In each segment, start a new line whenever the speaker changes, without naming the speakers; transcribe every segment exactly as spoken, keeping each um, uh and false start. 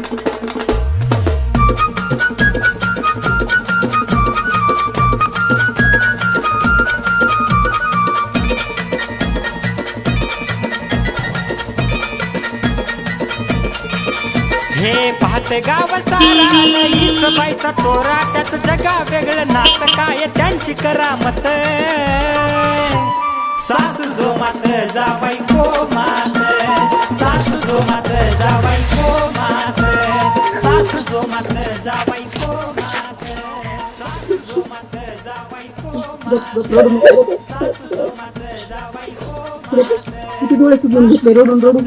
हे पाहते गाव सारा लईच बाईचा तोरा, त्याच जगा वेगळं नात काय त्यांची करामत. सासू जो मात जावाई को मात, सासू जो मात जावाई को मात, सासू जो मात जावाई को मात, सासू जो मात जावाई को मात, सासू जो मात जावाई को मात.
किती डोळे सुजून घेतले रडून रडून.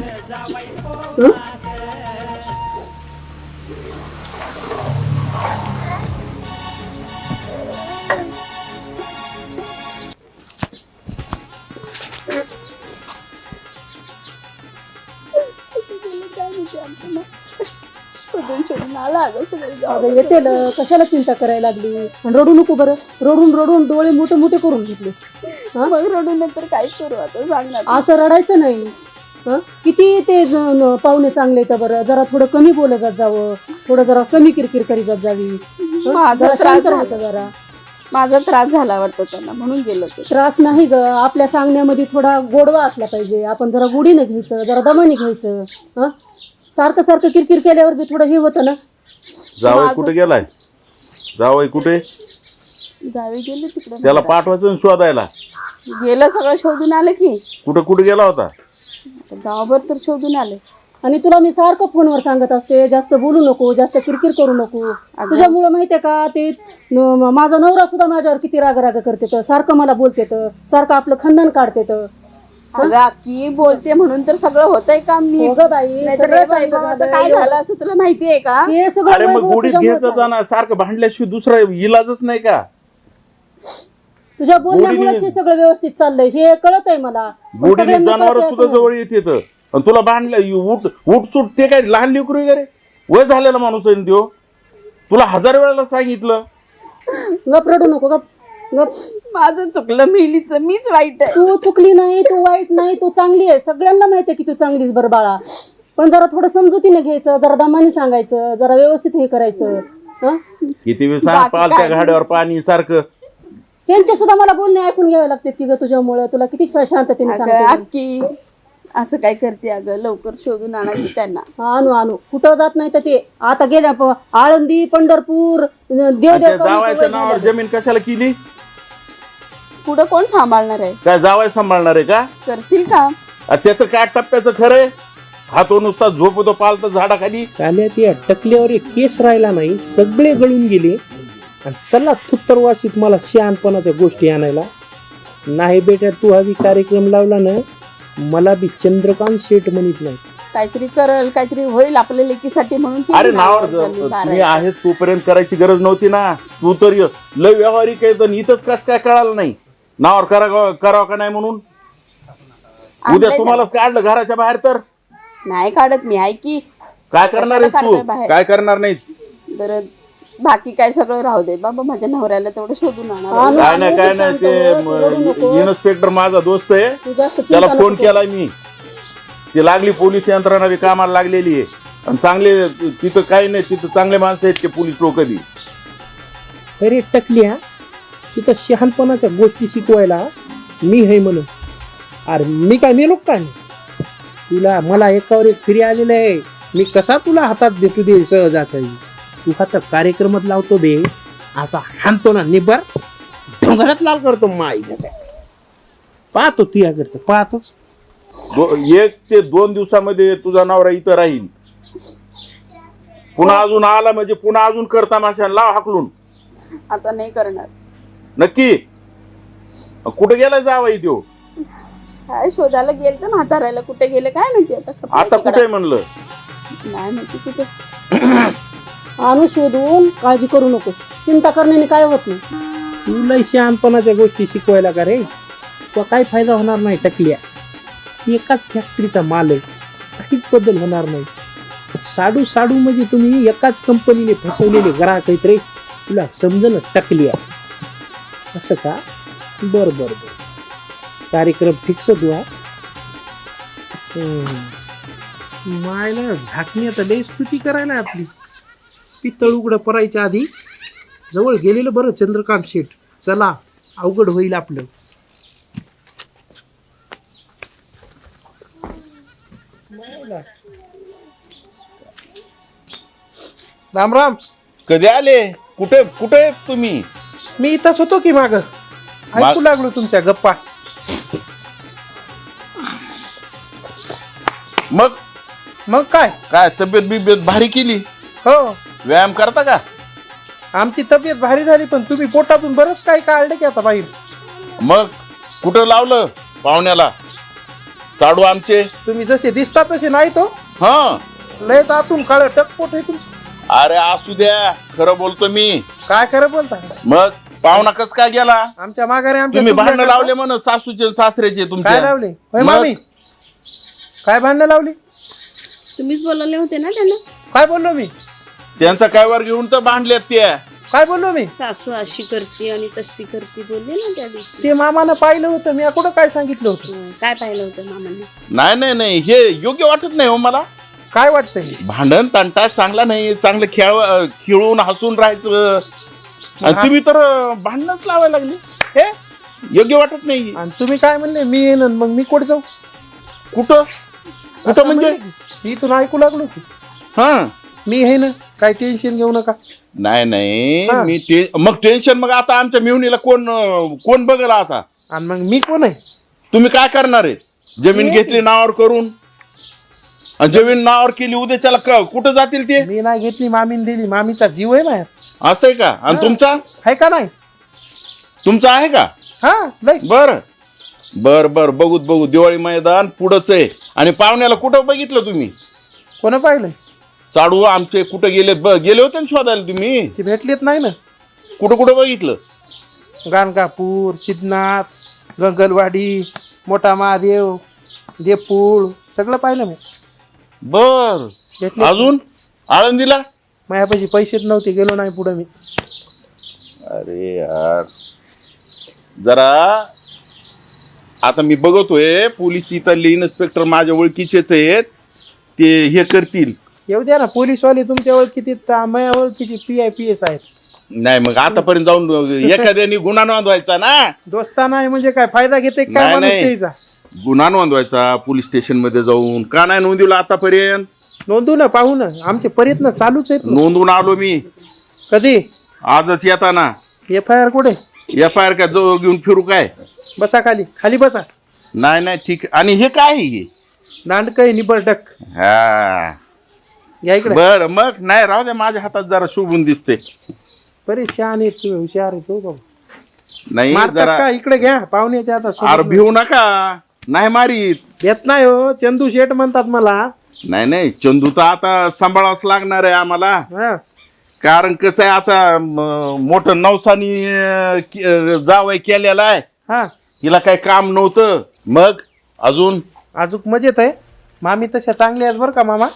येते कशाला चिंता करायला लागली. रडू नको बरं. रडून रडून डोळे मोठे मोठे करून घेतलेस.
मग रडून नंतर काय करू आता सांग ना.
असं रडायचं नाही. हं किती ते पाहुणे चांगले तर बरं, जरा थोडं कमी बोलत जात जावं, थोडं जरा कमी किरकिर करीत जात जावी.
माझा
शांत राहायचं जरा.
माझा त्रास झाला वाटतं त्यांना म्हणून गेलो ते.
त्रास नाही ग, आपल्या सांगण्यामध्ये थोडा गोडवा असला पाहिजे. आपण जरा गोडीनं घ्यायचं, जरा दमाने घ्यायचं. हं सारखं सारखं किरकिर केल्यावर बी थोडं हे होतं ना.
जावई कुठे गेलाय? जावई कुठे?
जावे गेले तिकडे.
त्याला पाठवायचं शोधायला.
गेलं सगळं शोधून आलं की.
कुठं कुठे गेला होता?
गावभर तर शोधून आले.
आणि तुला मी सारखं फोनवर सांगत असते, जास्त बोलू नको, जास्त किरकिर करू नको. तुझ्यामुळं माहितीये का, ते न- माझा नवरा सुद्धा माझ्यावर किती राग राग करते तर, सारखं मला बोलते तर, सारखं आपलं खंदन काढते तर.
अगं की बोलते म्हणून तर सगळं होतंय काम नीट.
हो ग बाई,
नाहीतर
सगळं
रे बाई
चांगलं
बाबा, आता
झालं.
काय झालं असं तुला माहितीये का?
हे सगळं
अरे मग
वैभव
गोडीत
तुझ्यामुळं
घ्यायचं
झालं.
जाणार, सारखं भांडल्याशिवाय दुसरा इलाजच नाही का?
तुझ्या बोलण्यामुळेच हे सगळं व्यवस्थित चाललंय, हे कळत आहे मला. पण
गोडीने
सगळ्यांना
जनावर
कळतंय
सुद्धा
असं
जवळ येत येतं. आणि तुला भांडलं उठ उठ सुट, ते काय लहान लेकरू वगैरे वय झालेला माणूस आहे त्यो. तुला हजार वेळेला सांगितलं.
नाही. गप रडू नको, गप गप.
माझं चुकलं, मेलीचं मीच वाईट आहे.
तू चुकली नाही, तू वाईट नाही, तू चांगली आहे. सगळ्यांना माहिती आहे की तू चांगलीच बरं बाळा. पण जरा थोडं समजुतीने घ्यायचं, जरा दमाने सांगायचं, जरा व्यवस्थित हे करायचं. हं
किती वेळ सांग पालत्या घाड्यावर पाणी सारखं.
त्यांच्या सुद्धा मला बोलणे ऐकून घ्यावे लागते की ग तुझ्यामुळे. तुला किती शांततेने
अगं
सांगते.
अक्की असं काय करते अगं, लवकर शोधून आणा की त्यांना.
आणू आणू, कुठं जात नाही तर ते आता गेल्या प- आळंदी, पंढरपूर, देव
आणि त्या
देव
जावायच्या नावावर जमीन कशाला केली?
पुढं कोण सांभाळणार आहे?
काय जावाय सांभाळणार आहे का?
करतील का?
आ, त्याचं काय टप्प्याचं खरंय? हा तो नुसता झोपतो पालत झाडाखाली.
चाल्यात या टकल्यावर एक केस राहिला नाही, सगळे गळून गेले. आणि चला थुत्तर वासीत मला शहाणपणाच्या गोष्टी आणायला. नाही बेटा, तू हवी कार्यक्रम लावला ना, मला बी चंद्रकांत शेठ म्हणत नाही.
काहीतरी करल, काहीतरी होईल आपल्या लेकीसाठी म्हणून केली
अरे
ना
नावावर
झाली
जर-
बारा.
मी आहे तोपर्यंत करायची गरज नव्हती ना. तू तर य- लय व्यावहारिक आहे, तर इथंच कस काय कळालं नाही नावावर करा करावं का नाही म्हणून. उद्या
आणलंय
तुम्हालाच काढलं घराच्या बाहेर तर
नाही काढत मी. आहे की
काय करणार आहेस
कशाला
तू?
काढतोय बाहेर?
काय करणार नाहीच.
बरं बाकी काय सगळं राहू दे बाबा, माझ्या नवऱ्याला तेवढं शोधून आणा.
आणू,
काय
आणू,
नाही काय
तू
नाही
शांत
ते
हो, तू रडू नको.
इन्स्पेक्टर माझा दोस्त आहे,
तू जास्त चिंता
त्याला
नको
फोन
करू.
केलाय मी. ती लागली पोलीस यंत्रणा बी कामाला लागलेली आहे. आणि चांगले तिथं काही नाही, तिथं चांगले माणसं आहेत ते पोलीस लोक बी.
अरे टकल्या, तिथं शहाणपणाच्या गोष्टी शिकवायला मी हे म्हणून. अरे मी काय मेलो काय? तुला मला एकावर एक फिरी आलेलं आहे. मी कसा तुला हातात देतो दे सहजाचा. तू हातात कार्यक्रमात लावतो बे, असा हाणतो ना निबर डोंगरात लाल करतो माईच्या. पाहतो तुया करतो, पाहतोच.
दो- एक ते दोन दिवसामध्ये तुझा नवरा इथं राहील. पुन्हा अजून आला म्हणजे पुन्हा अजून करता माशा लाव हाकलून.
आता नाही करणार.
नक्की कुठे गेला जावाई त्यो?
काय शोधायला गेल तर म्हातारायला कुठे गेले काय माहिती. आता
आता कुठे म्हणलं?
नाही माहिती कुठे.
आणू शोधून, काळजी करू नकोस. चिंता करण्याने काय होत नाही.
तुला शहाणपणाच्या गोष्टी शिकवायला का रे? तो काय फायदा होणार नाही टकल्या. एकाच फॅक्टरीचा माल आहे, काहीच बदल होणार नाही. साडू साडू म्हणजे तुम्ही एकाच कंपनीने फसवलेले ग्राहक आहेत रे. तुला समजलं टकल्या असं का? बर बर बर, कार्यक्रम फिक्स तू हा. मायला झाकणी आता लई स्तुती करायला आपली. पित्तळ उघडं परायच्या आधी जवळ गेलेलं बरं चंद्रकांत शेठ. चला अवघड होईल आपलं. राम राम.
कधी आले? कुठे कुठे आहेत तुम्ही?
मी इथंच होतो की माग ऐकू लागलो तुमच्या गप्पा.
मग
मग काय
काय तब्येत बिब्येत भारी केली?
हो
व्यायाम करता का?
आमची तब्येत भारी झाली पण तुम्ही पोटातून बरंच काही काढलं की आता बाहेर.
मग कुठं लावलं पाहुण्याला साडू आमचे?
तुम्ही जसे दिसता तसे नाही तो.
हा
लयच आतून काळ टकपोट आहे तुमचं.
अरे असू द्या, खरं बोलतो मी.
काय खरं बोलता.
मग पाहुणा कस काय गेला?
आमच्या माघारी आमच्या
तुम्ही
चुकल्या
भांडण
करता.
लावले म्हण सासूचे सासऱ्याचे
काय
तुमच्या.
लावले होय
मग?
मामी? काय भांडणं लावली?
तुम्हीच बोलवले होते ना त्यांना.
काय बोललो मी?
त्यांचा काय वर घेऊन तर भांडल्यात त्या.
काय बोललो मी?
सासू अशी करते आणि तशी करते बोलले ना त्या दिवशी.
ते मामानं पाहिलं होतं, मी कुठं काय सांगितलं होतं.
हं, काय पाहिलं होतं मामांनी?
नाही नाही नाही हे योग्य वाटत नाही हो मला.
काय वाटतंय?
भांडण तंटा चांगला नाही. चांगलं खेळ खेळून हसून राहायचं. आणि तुम्ही तर भांडणच लावायला लागले. हे योग्य वाटत नाही.
आणि तुम्ही काय म्हणले मी येईन आणि मग मी कुठे जाऊ?
कुठं कुठं म्हणजे?
मी इथून ऐकू लागलो की
हा
मी आहे ना, काय टेन्शन घेऊ नका.
नाही नाही
हा.
मी ते मग टेन्शन मग आता आमच्या मिवणीला कोण कोण बघल आता?
आणि मग मी कोण आहे?
तुम्ही काय करणार आहे? जमीन घेतली नावावर करून आणि जमीन नावावर केली उद्याच्याला क- कुठं जातील ते?
मी नाही घेतली, मामीने दिली. मामीचा जीव आहे माझ्या.
असं आहे का? आणि तुमचा
आहे का नाही?
तुमचा आहे का?
हा लय.
बर बर बर बघूत बघू. दिवाळी मैदान पुढंच आहे. आणि पाहुण्याला कुठं बघितलं तुम्ही?
कोण पाहिलंय?
साडू आमचे कुठं गेलेत? ब- गेले होते ना शोधायला तुम्ही?
ते भेटलेत नाही ना.
कुठं कुठं बघितलं?
गाणगापूर, सिद्धनाथ, गंगलवाडी, मोठा महादेव, देपूळ सगळं पाहिलं मी.
बर
भेटले.
अजून आळंदीला?
माझ्यापाशी पैसेच नव्हते, गेलो नाही पुढे मी.
अरे यार जरा आता मी बघतोय पोलीस इथले इन्स्पेक्टर माझ्या ओळखीचेच आहेत. ते हे करतील.
येऊ द्या ना, पोलीसवाले तुमच्या ओळखीचे, माझ्या ओळखीचे पी आय पी एस आहेत.
नाही मग आतापर्यंत जाऊन एखाद्याने गुन्हा नोंदवायचा ना.
दोस्ता नाही म्हणजे काय फायदा घेते काय
नाही,
माणूस
नाही.
त्याचा?
गुन्हा नोंदवायचा पोलीस स्टेशन मध्ये जाऊन. का नाही नोंदवला आतापर्यंत?
नोंदू ना, पाहू ना, आमचे प्रयत्न चालूच आहेत ना.
नोंदवून आलो मी
कधी?
आजच येताना.
एफ आय आर कुठे?
एफ आय आर का जवळ घेऊन फिरू काय?
बसा खाली, खाली बसा.
नाही नाही ठीक. आणि हे काय आहे हे?
दांडक आहे निबरटक.
हा
या इकडे.
बर मग नाही राहू द्या. माझ्या हातात जरा शोभून दिसते.
परेशान आहे तुम्ही, हुशार आहे तो बाबा.
नाही
मारतात
जरा
का? इकडे घ्या पाहुण्याच्या आता सोबत
आर भिवू नका. नाही मारीत.
येत नाही हो. चंदू शेठ म्हणतात मला.
नाही नाही चंदू तर आता सांभाळावंच लागणार आहे आम्हाला.
हा
कारण कसं आहे आता म- मोठं नवसानी अं, के- अं, जावई केलेला आहे.
हा
तिला काही काम नव्हतं. मग अजून
अजूक मजेत आहे. मामी तशा चांगल्या आहेत बरं का मामा.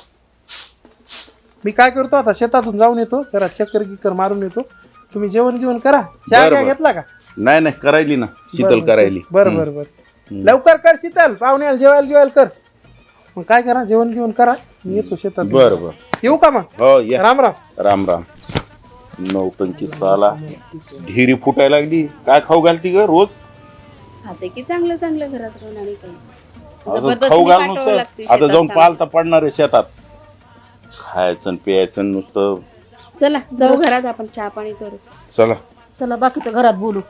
मी काय करतो आता, शेतातून जाऊन येतो, जरा चक्कर गिक्कर मारून येतो. तुम्ही जेवण घेऊन करा. चहा
बरं,
घ्या
बरं.
घेतला का?
नाही नाही करायली ना शीतल करायली.
बरं बरं बरं. लवकर कर शीतल, पाहुण्याला जेवायला जेवायला कर. मग काय करा, जेवण घेऊन करा. मी येतो शेतात.
बरं बरं
येऊ का मग?
हो या.
राम राम.
राम राम. नौटंकी साला ढिरी फुटायला लागली. काय खाऊ घालती ग रोज?
खाते की चांगलं चांगलं घरात राहून आणि काही
अजून
जबरदस्तीने
खाऊ घाल
पाठवावं
नुसतं.
लागते
आता
शेतात
जाऊन
कामाला.
पालता पडणार आहे शेतात. खायचं आणि प्यायचं नुसतं.
चला जाऊ घरात, आपण चहा पाणी करू.
चला
चला बाकीचं घरात बोलू.